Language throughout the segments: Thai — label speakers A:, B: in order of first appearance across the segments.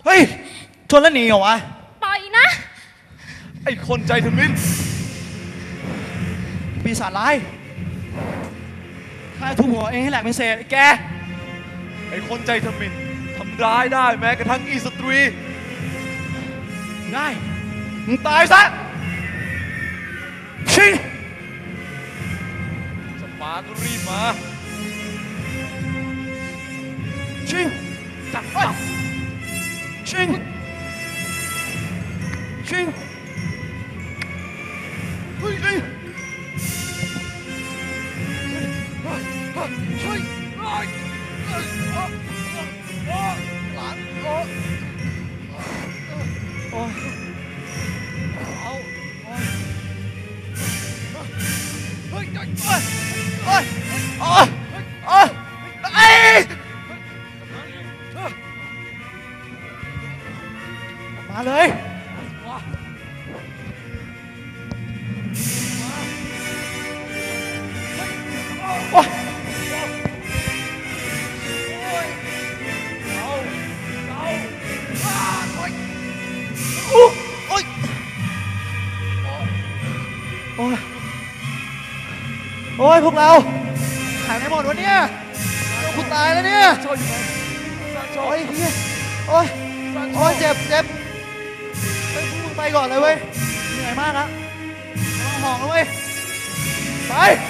A: เฮ้ยชนแล้วหนีเหรอวะ
B: ปล่อยนะ
C: ไอ้คนใจทมิฬ
A: ปีศาจร้ายข้าทุบหัวเองให้แหลกเป็นเศษแก
C: ไอ้คนใจทมิฬทำร้ายได้แม้กระทั่งอีสตรี
A: ได้มึงตายซะชิง
C: จะมาก็รีบมา
A: ชิงจับไปชิงชิงเฮ้ยช่วยหลานโอ้ยเอาเฮ้ยโอ้ยโอ้ยโอ้ยโอ้ยไอ้มาเลยโอ้ยโอ้ยโอ้ยพวกเราหายไปหมดวะเนี่ยกูตายแล้วเนี่ยโอ้ยเฮียโอ้ยโอ้ยเจ็บไปพวกมึงไปก่อนเลยเว้ยเหนื่อยมากนะห่องแล้วเว้ยไป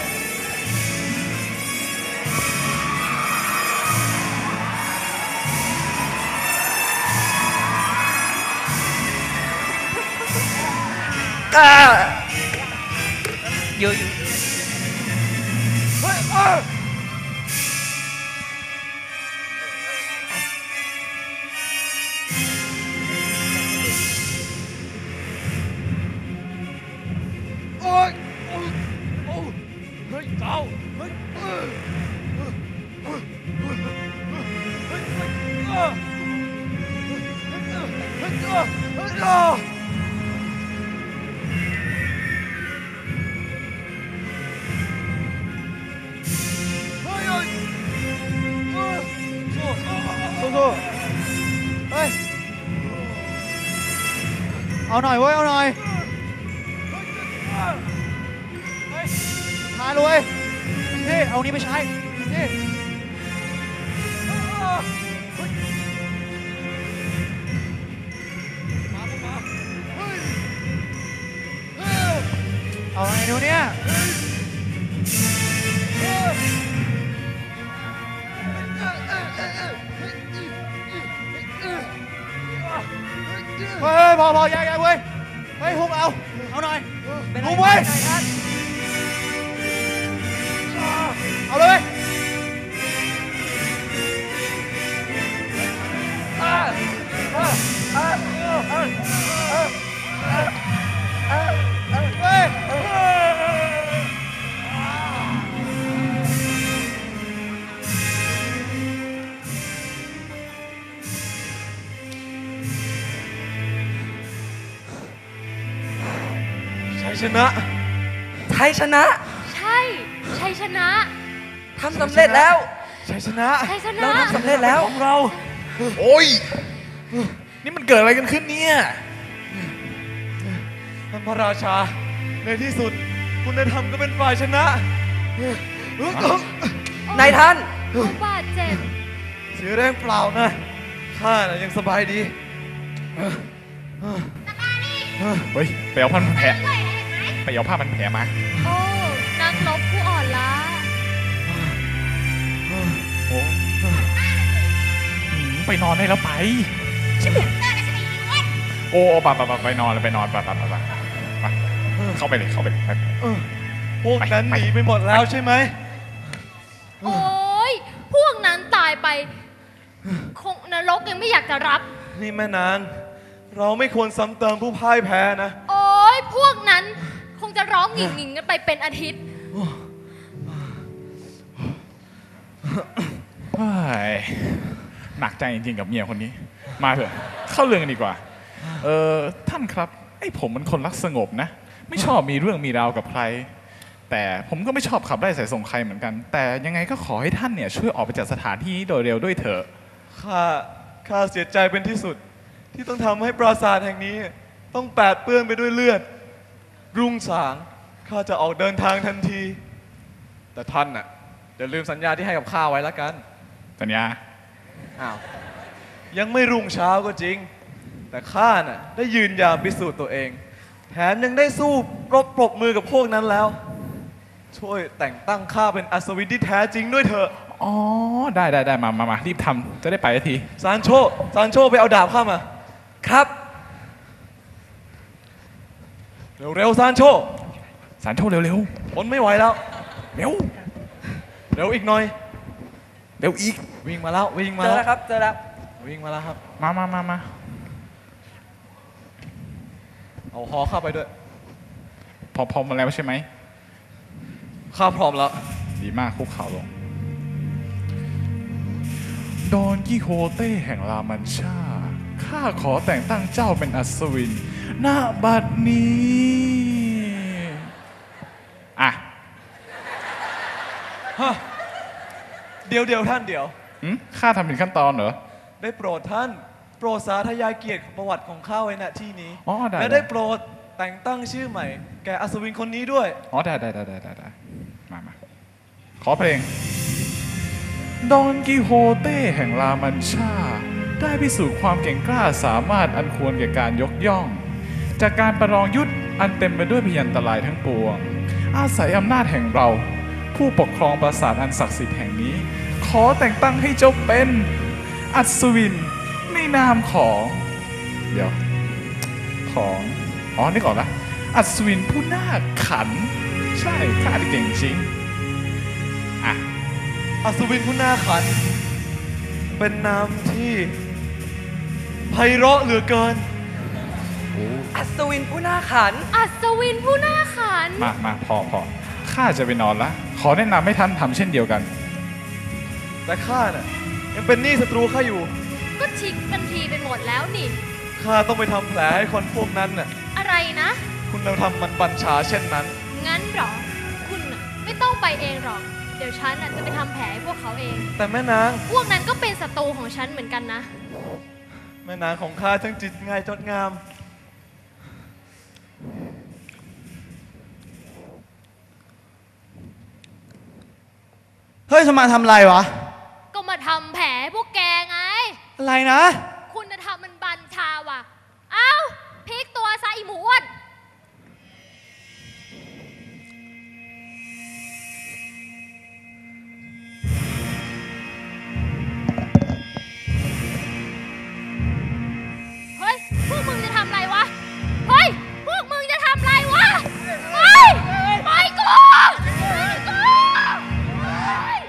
A: อยู่เฮ้ยโอ้ยเฮ้ยเจ้าเฮ้ยเฮ้ยเอาหน่อยเว้ยเอาหน่อยทานเลยพี่เอานี้ไปใช้พี่เอาไงดูเนี่ยเฮ้ยพอแยกเว้ยเฮ้ยฮุกเอาหน่อยฮุกเว้ยเอาเลย
C: ชัยชนะ
B: ชัยชนะ
D: ทำสำเร็จแล้ว
C: ชัยชนะ
D: เราทำสำเร็จแล้ว
C: ของเราโอ้ยนี่มันเกิดอะไรกันขึ้นเนี่ยท่านพระราชาในที่สุดคุณนายธรรมก็เป็นฝ่ายชนะ
D: นายท่าน
B: บาดเจ็บ
C: เสียแรงเปล่านะข้าน่ะยังสบายดี
E: เฮ้ยไปเอาผ้าพันแผลไปเอาผ้าพันแผลมา
B: โอ้นักรบผู้อ่อนล้า
E: ไปนอนได้แล้วไปโอ้ไปนอนไปเข้าไปเลย
C: พวกนั้นหนีไปหมดแล้วใช่ไหม
B: โอ้ยพวกนั้นตายไปคงนรกยังไม่อยากจะรับ
C: นี่แม่นางเราไม่ควรซ้ำเติมผู้พ่ายแพ้นะ
B: โอ้ยพวกนั้นคงจะร้องหงิ่งกันไปเป็นอาทิตย์
E: หนักใจจริงๆกับเมียคนนี้มาเถอะเข้าเรื่องกันดีกว่าท่านครับไอ้ผมมันคนรักสงบนะไม่ชอบมีเรื่องมีราวกับใครแต่ผมก็ไม่ชอบขับไล่ใส่ส่งใครเหมือนกันแต่ยังไงก็ขอให้ท่านเนี่ยช่วยออกไปจากสถานที่นี้โดยเร็วด้วยเถอะ
C: ข้าเสียใจเป็นที่สุดที่ต้องทำให้ปราสาทแห่งนี้ ต้องแปดเปื้อนไปด้วยเลือด รุ่งสางข้าจะออกเดินทางทันที แต่ท่านน่ะอย่าลืมสัญญาที่ให้กับข้าไว้ละกัน
E: สัญญา
C: อ้าวยังไม่รุ่งเช้าก็จริง แต่ข้าน่ะได้ยืนยามพิสูจน์ตัวเอง แถมยังได้สู้รบปรบมือกับพวกนั้นแล้ว ช่วยแต่งตั้งข้าเป็นอัศวินที่แท้จริงด้วยเถอะ
E: อ๋อ ได้มารีบทำจะได้ไปสักที
C: ซานโชไปเอาดาบข้ามา
D: ครับ
C: เร็วๆซานโช
E: สารโชคเร็ว
C: ทนไม่ไหวแล้ว
E: เร็ว
C: เร็วอีกหน่อย
E: เร็วอีก
C: วิ่งมาแล้ววิ่งมา
D: เจอ
C: แล้
D: แล้ว วครับ เจอแล้ว
C: วิ่งมาแล้วครับ
E: มา
C: เอาหอเข้าไปด้วย
E: พอมาแล้วใช่ไหม
C: ข้าพร้อมแล้ว
E: ดีมากคุกเข่าลง ดอนกิโฮเต้แห่งรามันชา ข้าขอแต่งตั้งเจ้าเป็นอัศวิน ณ บัดนี้ อ่ะ
C: เดี๋ยวท่านเดี๋ยว
E: ข้าทำผิดขั้นตอนเหรอ
C: ได้โปรดท่าน โปรดสาธยายเกียรติประวัติของข้าไว้ณที่นี้
E: อ๋อได้
C: และได้โปรดแต่งตั้งชื่อใหม่ แก่อัศวินคนนี้ด้วย
E: อ๋อได้มาขอเพลง ดอนกิโฮเต้แห่งรามันชา ได้พิสูจน์ความเก่งกล้าสามารถอันควรแก่การยกย่อง จากการประลองยุทธอันเต็มไปด้วยพยันตรายทั้งปวง อาศัยอำนาจแห่งเรา ผู้ปกครองปราสาทอันศักดิ์สิทธิ์แห่งนี้ ขอแต่งตั้งให้เจ้าเป็นอัศวินในนามของเดี๋ยวของอ๋อนึกออกละอัศวินผู้น่าขัน ใช่ข้าได้เก่งจริงอ่ะ
C: อัศวินผู้น่าขัน เป็นนามที่ไพเราะเหลือเกิน
D: อัศวินผู้น่าขัน
B: อัศวินผู้น่าขัน
E: มาพอข้าจะไปนอนละขอแนะนำให้ท่านทำเช่นเดียวกัน
C: แต่ข้าน่ะยังเป็นหนี้ศัตรูข้าอยู่
B: ก็ชิงกันทีไปหมดแล้วนี่
C: ข้าต้องไปทำแผลให้คนพวกนั้นน่ะ
B: อะไรนะ
C: คุณเราทำมันบัญชาเช่นนั้น
B: งั้นเหรอ คุณน่ะไม่ต้องไปเองหรอก เดี๋ยวฉันน่ะจะไปทำแผลให้พวกเขาเอง
C: แต่แม่นาง
B: พวกนั้นก็เป็นศัตรูของฉันเหมือนกันนะ
C: แม่นางของข้าทั้งจิตง่ายจดงาม
A: เฮ้ยจะมาทำอะไรวะ
B: ก็มาทำแผลให้พวกแกไง
A: อะไรนะ
B: คุณธรรมมันบัญชาว่ะ เอ้าพลิกตัวซะอีหมูอ้วนเฮ้ย พวกมึงจะทำอะไรวะ เฮ้ย พวกมึงจะทำอะไรวะ เฮ้ยปล่อยกูปล่อยกูเฮ้ย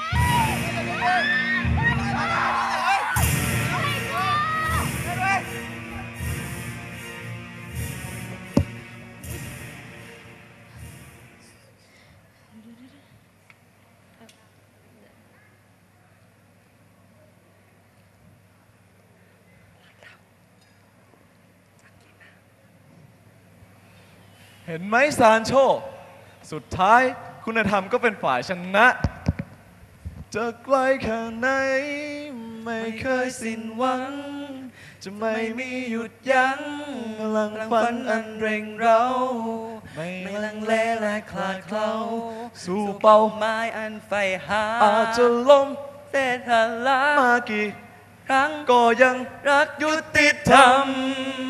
C: เห็นไหมซานโช สุดท้ายคุณธรรมก็เป็นฝ่ายชนะ จะไกลแค่ไหนไม่เคยสิ้นหวัง จะไม่มีหยุดยั้งพลังฝันอันเร่งเร้า
D: ไม่ลังเลและคลาดเคล้า
C: สู่เป้าหมาย
D: ไม้อันไฟหา
C: อาจจะล้ม
D: เส้นทางลา
C: มากี่
D: ครั้ง
C: ก็ยัง
D: รักยุติธรรม